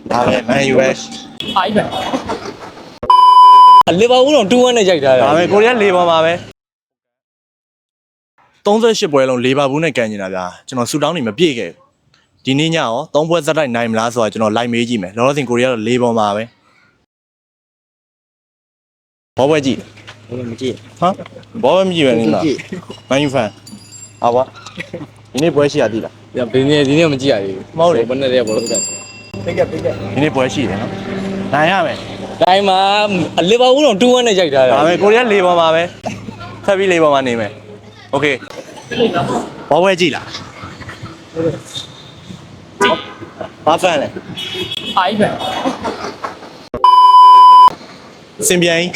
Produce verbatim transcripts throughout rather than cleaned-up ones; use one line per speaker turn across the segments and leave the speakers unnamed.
ဒါပဲမန်ယူပဲ
အားကြီးပဲလီဗာပူးတော့two oneနဲ့ရိုက်ထားတယ်
ဒါပဲကိုရီးယားလေးပေါ်မှာပဲthirty-eightပွဲလုံးလီဗာပူးနဲ့ကန်နေတာဗျာကျွန်တော်ဆူတောင်းနေမပြည့်ခဲ့ဒီနေ့ညရောသုံးပွဲစက်တိုက်နိုင်မလားဆိုတာကျွန်တော်လိုက်မေးကြည့်မယ်လောလောဆယ်ကိုရီးယားတော့လေးပေါ်မှာပဲဘောပွဲကြည့်
ဘာမှမကြည့်
ဟမ်ဘောပွဲမကြည့်ပဲနေလားမန်ယူဖန်ဟာပါဒီနေ့ပွဲရှိရသေးလား
ညဒီနေ့ဒီနေ့မကြည့်ရသေးဘူး
မဟုတ်လေ
ဘယ်နဲ့လဲဘောလို့က
ပိတ်ကပိတ်ကဒီနေ့ပွဲရှိတယ်နော်နိုင်ရမယ်
တိုင်းမှာလီဗာပူးတော့two oneနဲ့ရိုက်ထားတယ်
ဒါပဲကိုရီးယားလေးပေါ်မှာပဲထပ်ပြီးလေးပေါ်မှာနေမယ်โอเคဘောပွဲကြည့်လားဘာဖန်လဲ
အားကြီးပဲ
စင်ပြန်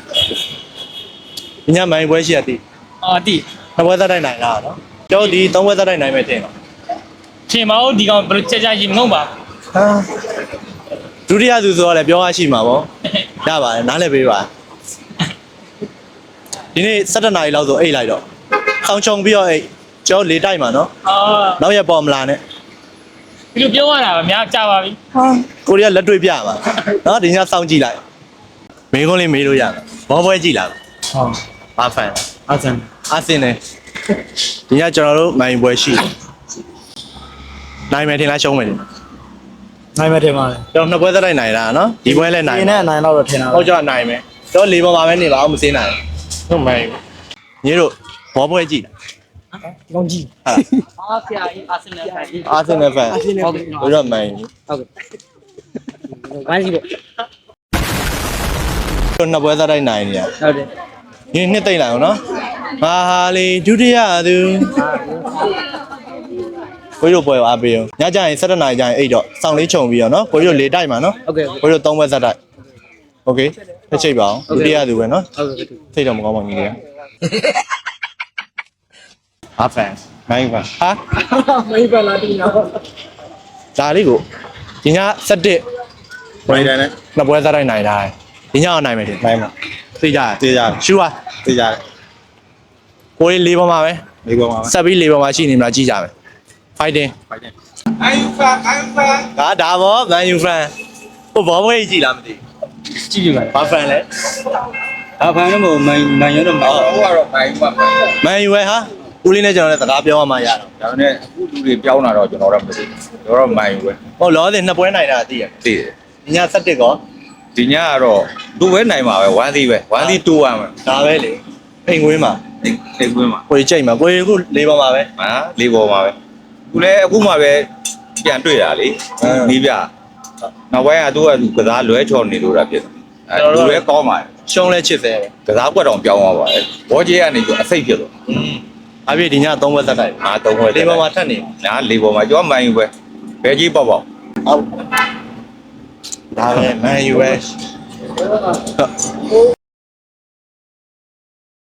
ညမိုင်းပွဲရှိရသေး
အာတီ
နှစ်ပွဲသက်တိုက်နိုင်လားနော်ကျောင်းဒီသုံးပွဲသက်တိုက်နိုင်မယ်ထင်တော့
ထင်ပါဦးဒီကောင်ဘယ်လိုချက်ချရင်မဟုတ်ပါ
ဟာဒုတိယသူဆိုတော့လည်းပြောရရှိမှာပေါ့ရပါတယ်နားလည်ပေးပါဒီနေ့sevenနာရီလောက်ဆိုအိတ်လိုက်တော့ဆောင်းချုံပြီးတော့အိတ်ကျောင်းလေးတိုက်မှာနော်
အာ
နောက်ရက်ပေါ်မလာနဲ့
ဒီလိုပြောရတာအများကြာပါပြီ
ဟာကိုရီးယားလက်တွေ့ပြမှာနော်ဒီညစောင်းကြည့်လိုက်မင်းကုန်းလေးမေးလို့ရမှာဘောပွဲကြည့်လား
ဟုတ်
ဘာဖန်
အာဆန်
အာဆင်နဲ့ဒီညကျွန်တော်တို့မိုင်းပွဲရှိတယ်နိုင်မယ်ထင်လားရှုံးမယ်ထင်
နိုင်မယ်ထင်ပါတယ်
ကျွန်တော်နှစ်ပွဲသက်တိုက်နိုင်တာနော်ဒီပွဲလည်းနိုင်
ဒီနေ့နိုင်တော့ထင်တာ
ဟုတ်ကြနိုင်မယ်တော့လေးပေါ်မှာပဲနေပါအောင်မစင်းနိုင်ဟုတ်မိုင်းညီတို့ဘောပွဲကြည့်
လားကောင်းကြည့်
ဟာ
အားဆရာကြီးအာဆင်နယ်ဖန်
အာဆင်နယ်ဖန်ဟုတ်ကဲ့ဘယ်တော့မိုင်း
ဟုတ်ကဲ့ဝိုင်းကြည့်ပေါ့
ကျွန်တော်နှစ်ပွဲသက်တိုက်နိုင်နေရ
ဟုတ်တယ်
ဒီနှစ်သိမ့်လိုက်အောင်နော်ဟာဟာလေးဒုတိယသူကိုတို့ပွဲအားပေးအောင်ညကျရင်sevenနာရီကျရင်အိတ်တော့စောင်းလေးခြုံပြီးတော့နော်ကိုတို့လေတိုက်မှာနော်
ဟုတ်ကဲ့
ကိုတို့သုံးပွဲသက်တိုက်โอเคတစ်ချိန်ပါအောင်ဒုတိယသူပဲနော်
ဟုတ်ကဲ့
စိတ်တော့မကောင်းပါဘူးညီလေးဟာဖန်မိုင်းဖန်ဟာ
မိုင်းဖန်လာတင်တော့
ဒါလေးကိုဒီညsevenပွဲတိုင်းနဲ့နှစ်ပွဲသက်တိုက်နိုင်တာဒီညအောင်နိုင်မယ်ဒီနိုင်မှာသိကြသိကြရှူပါသိကြကိုလေးလေးပေါ်မှာပဲလေးပေါ်မှာဆက်ပြီးလေးပေါ်မှာရှိနေမလားကြည့်ကြမယ် fighting fighting
အယူဖန်အယူဖန်
ဒါဒါဘောမန်ယူဖန်ဟိုဘောပွဲကြီးကြည့်လားမသိ
ကြည့်ကြပါ
ဘာဖန်လဲ
ဘာဖန်တော့မမန်မန်ရတော့မဟုတ်
ဟိုကတော့မိုင်းမှာ
မန်ယူပဲဟာဦးလေးနဲ့ကျွန်တော်လည်းစကားပြောရမှရတော့
ဒါနဲ့အခုလူတွေပြောင်းလာတော့ကျွန်တော်တော့မသိဘူးကျွန်တော်တော့မိုင်းပဲ
ဟုတ်လောဆယ်နှစ်ပွဲနိုင်တာသိရ
သိတယ်
ဒီညsevenကော
ဒီညကတော့သူ့ပဲနိုင်မှာပဲone thingပဲone thing two oneပဲ
ဒါပဲလေအိမ်ကွင်းမှာ
အိမ်ကွင်းမှာ
ကိုကြီးကြိတ်မှာကိုကြီးအခုလေးပေါ်မှာပဲ
ဟာလေးပေါ်မှာပဲသူလည်းအခုမှပဲပြန်တွေ့တာလေနီးပြနောက်ပိုင်းကသူကကစားလွဲချော်နေလို့တာဖြစ်တယ်အဲလူလည်းကောင်းပါတယ်
ရှုံးလဲချစ်တယ်
ကစားကွက်တော်ပြောင်းသွားပါတယ်ဘောကြီးကနေပြီးအစိတ်ဖြစ်သွား
อืมအပြည့်ဒီညသုံးဘက်သက်တိုက်
အာသုံးဘက်
လေးပေါ်မှာထက်နေ
နားလေးပေါ်မှာကျော်မိုင်းယူပဲဘယ်ကြီးပေါ့ပေါ့
ဟုတ်ဒါပဲမန်ယူပဲ